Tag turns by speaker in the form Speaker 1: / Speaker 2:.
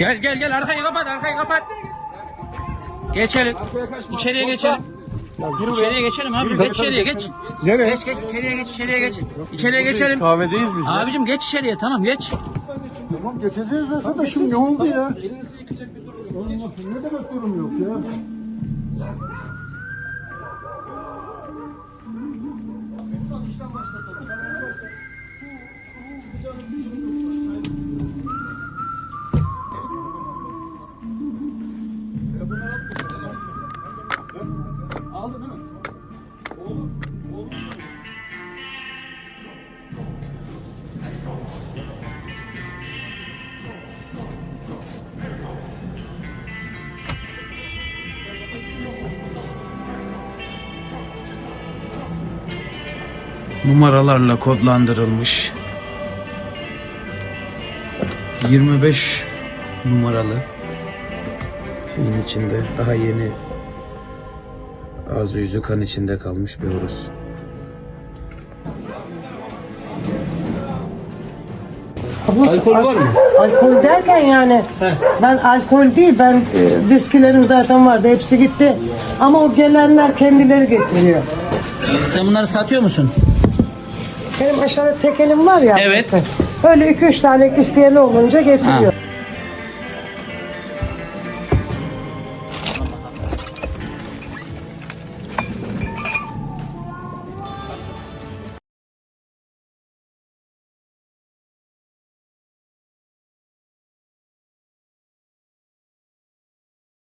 Speaker 1: Gel arkayı kapat. Geçelim. İçeriye geçelim. İçeriye geçelim abi. Geç içeriye geç.
Speaker 2: Nereye?
Speaker 1: Geç içeriye geç. İçeriye geçelim.
Speaker 2: Kahvedeyiz biz.
Speaker 1: Abicim geç içeriye, tamam geç.
Speaker 2: Tamam geçeceğiz arkadaşım, ne oldu ya? Elinizi yıkacak bir durum yok. Ne demek durum yok ya?
Speaker 3: Numaralarla kodlandırılmış 25 numaralı şeyin içinde daha yeni ağzı yüzü kan içinde kalmış bir horoz.
Speaker 2: Alkol var mı?
Speaker 4: Alkol derken yani ben alkol değil, ben viskilerim zaten vardı, hepsi gitti. Ama o gelenler kendileri getiriyor.
Speaker 1: Sen bunları satıyor musun?
Speaker 4: Benim aşağıda tekelim var ya.
Speaker 1: Evet.
Speaker 4: Öyle 2-3 tane isteyeni olunca getiriyor.